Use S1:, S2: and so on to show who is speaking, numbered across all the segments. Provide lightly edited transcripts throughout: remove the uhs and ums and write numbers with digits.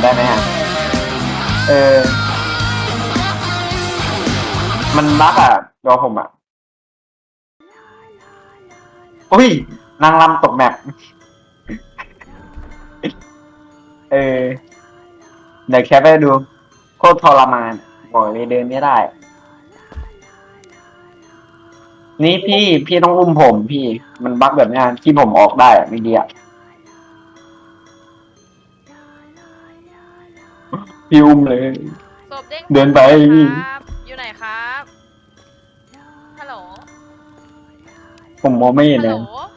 S1: ได้ไหมฮะเออมันบั๊กอ่ะรอผมอ่ะอุ้ยนางรำตกแมปเออเดี๋ยวแคปไปดูโคตรทรมานบอกเลยเดินไม่ได้ นี่พี่ต้องอุ้มผมพี่มันบั๊กแบบนี้ที่ผมออกได้อะไม่ดีอ่ะพี่อุ้มเลย
S2: ศพเด้ง
S1: เดินไปพี่
S2: ครับอยู่ไหนครับฮัลโหล
S1: ผมมองไม่เห็น
S2: ฮัลโหล
S1: เลย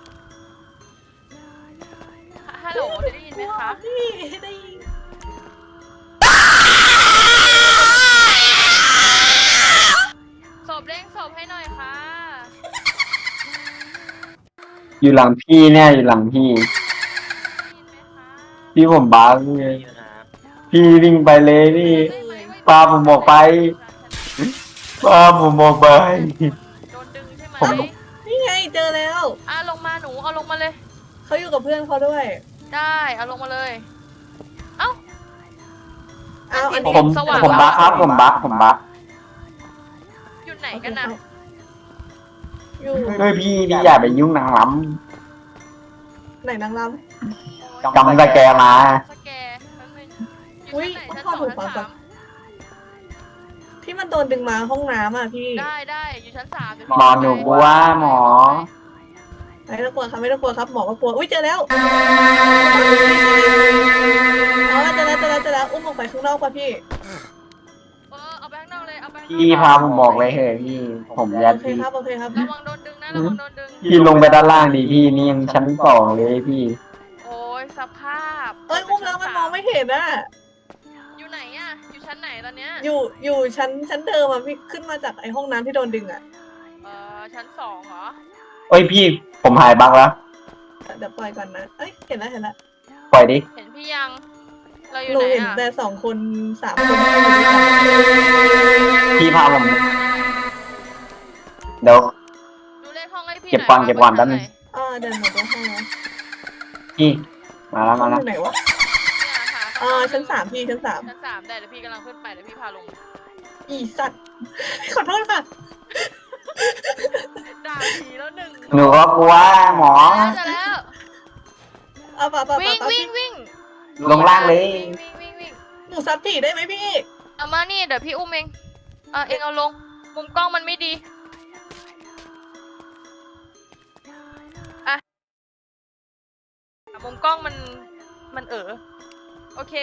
S2: ฮัลโหลจะได้ยินไหมครับ
S3: พี่ได้ยิน
S2: ศพเด้งศพให้หน่อยค่ะ
S1: อยู่หลังพี่เนี่ยอยู่หลังพี่
S2: ได้ยินไหมคะ
S1: พี่ผมบั๊กเลยพี่วิ่งไปเลยพี่
S2: ได้ไหมว่
S1: พาผมออกไปพาผมออกไป
S2: โดนดึงใช่ไหม
S1: ผม
S3: นี่ไงเจอแล้ว
S2: ลงมาหนูเอาลงมาเลย
S3: เขาอยู่กับเพื่อนเขาด้วย
S2: ได้เอาลงมาเลยเอ้า
S3: เอาอัน
S1: ผ
S3: นี้
S1: ม
S2: สว่าง
S1: ผมบั๊กครับผมบั๊ก
S2: อยู่ไหนกันนะ
S3: อยู่
S1: เฮ้ยพี่อย่าไปยุ่งนางล้
S3: ไหนนางร
S1: ำจำสแกมา
S2: สแกแป๊บนึงอ
S3: อุ๊
S2: ยู่
S3: ย
S2: ชั้นไหนชั้นสอง
S3: พ่อถูก
S2: ชั้น
S3: ปะ
S2: สาม
S3: ำที่มันโดนดึงมาห้องน้ำอ่ะพี่
S2: ได้อยู่ชั้นสามเดี๋ยว
S1: หมอหนูกลัวหมอ
S3: ไม่ต้องกลัวครับไม่ต้องกลัวครับหมอก็กลัวอุ้ยเจอแล้วอ๋อเจอแล้วอุ้มออกไปข้างนอกป่ะพี่
S2: เอาไปข้างนอกเลยเอาไปข้างนอก
S1: พี่พาผมบอกเลยเฮ้ยพี่ผมยั
S3: โอน เค
S1: พี่
S3: ครับโอเคครับ
S2: ระวังโดนดึงนะระวังโดนดึง
S1: พี่ลงไปด้านล่างดิพี่นี่ยังชั้นสองเลยพี่
S2: โอ้ยสภาพ
S3: เอ้ยอุ้มแล้วมันมองไม่เห็นอ่ะ
S2: อยู่ไหนอะอยู่ชั้นไหนตอนเนี้ย
S3: อยู่ชั้นเดิมอ่ะพี่ขึ้นมาจากไอ้ห้องน้ำที่โดนดึงอ่ะ
S2: ชั้นสองเหรอ
S1: เอ้ยพี่ผมหายบั๊กแล้ว
S3: เดี๋ยวปล่อยก่อนนะเอ้ยเห็นแล้ว
S1: ปล่อยดิ
S2: เห็นพี่ยังเราอยู่
S3: หนู
S2: ไหน
S3: เห็น
S2: อะ
S3: แต่2 คน 3 คนที่อยู่ด้วยกัน
S1: พี่พาผมเดี๋ยว
S2: ดูเลขห้องให้พี่
S1: เก็บก่อน
S2: หย
S1: เก็บก่อนแป๊บนึง
S3: เดินหนูไปให้นะ
S1: พี่มาแล้ว
S3: ห้อ
S1: มาง
S3: อ
S1: แล้ว
S3: ยู่ไหนวะ
S2: เนี่ยค่ะ
S3: ชั้น 3พี่ชั้น
S2: ชั้นสามได้เดี๋ยวพี่กำลังขึ้นไปเดี๋ยวพี่พาลง
S3: 3อีสัตว์ขอโทษค่ะ
S2: ด่าผีแล้วหนึ่ง
S1: หนูก็กลัวหมอ
S2: จะแล้ว
S3: เอาป่ะ
S2: วิ่ง
S3: พี่
S2: วิ่ง
S1: ลงล่างเลย
S2: วิ่ง
S3: หนูซับผีได้ไหมพี่
S2: เอามานี่เดี๋ยวพี่อุ้มเองเองเอาลงมุมกล้องมันไม่ดีมุมกล้องมันโอเค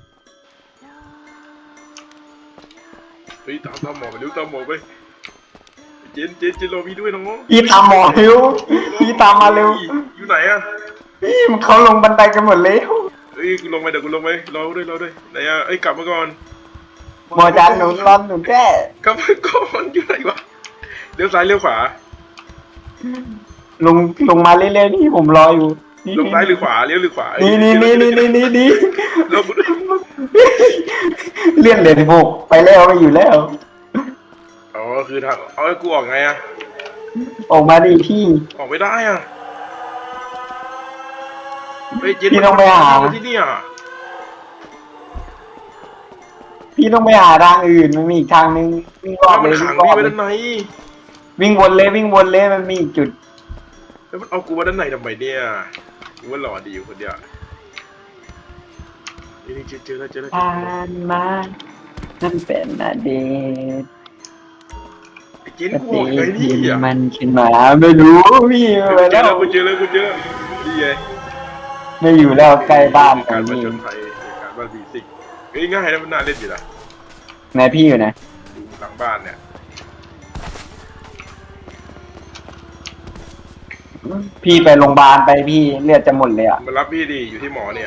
S4: เฮ้ยตามหมอไปเร็วตามหมอไปเจนรอพี่ด้วยน้อง
S1: พี่ตามหมอเร็วพี่ตามมาเร็ว
S4: อยู่ไหนอะ
S1: พี่เขาลงบันไดกันหมดแล้ว
S4: เฮ้ยกูลงไปเดี๋ยวกูลงไปรอด้วยไหนอะเอ้ยกลับมาก่อน
S1: หมอจานหนูรอนหนูแก้
S4: กลับมาก่อนอยู่ไหนวะเลี้ยวซ้ายเลี้ยวขวา
S1: ลงมาเรื่อยๆนี่ผมรออยู่
S4: ลงซ้ายหรือขวาเลี้ยวหรือขวา
S1: นี่
S4: ลง
S1: เลื่อนเลยที่พวกไปแล้วไม่อยู่แล้ว
S4: อ๋อคือทางเอาไอ้กูออกไงอะ
S1: ออกมาดิพี่
S4: ออกไม่ได้อะเฮ้ยเจน
S1: พี่ต้องไปหา
S4: ที่นี่อะ
S1: พี่ต้องไปหาทางอื่นมันมีอีกทางนึงวิ่งรอบ
S4: แล้ว
S1: เล
S4: มัน
S1: ย
S4: ขัง
S1: วิ่งร
S4: พี่
S1: อบ
S4: ไว้
S1: เลย
S4: ด้านใน
S1: วิ่งวนเลยมันมีอีกจุด
S4: แล้วมันเอากูมาด้านในทำไมเนี่ยกูว่าหล่อดีอยู่คนเดียวนี่เจอแล้ว
S1: ผ่านมานั่นเป็นอดีต
S4: ไอ้เจนกูออกยังไงนี่อะ
S1: มันขึ้นมาไม่รู้พี่ไป
S4: เจ
S1: แล้
S4: อแล้ว
S1: ว
S4: กูเจอแล้วนี่ไง
S1: ไม่อยู่แล้วใกล้บ้าน
S4: การ
S1: น
S4: มา
S1: นี่
S4: จนไทยการบ้านบีซิกเฮ้ยง่ายนะมันน่าเล่นอยู่นะ
S1: ไหนพี่อยู่ไหน
S4: อยู่หลังบ้านเนี่ย
S1: พี่ไปโรงพยาบาลไปพี่เลือดจะหมดเลยอ่ะ
S4: มารับพี่ดิอยู่ที่หมอเนี่ย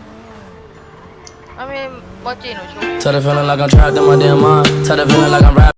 S2: ไม่โมจิหนูชุบ
S5: Tell the feeling like I'm trapped in my damn mind. Tell the feeling like I'm rapping.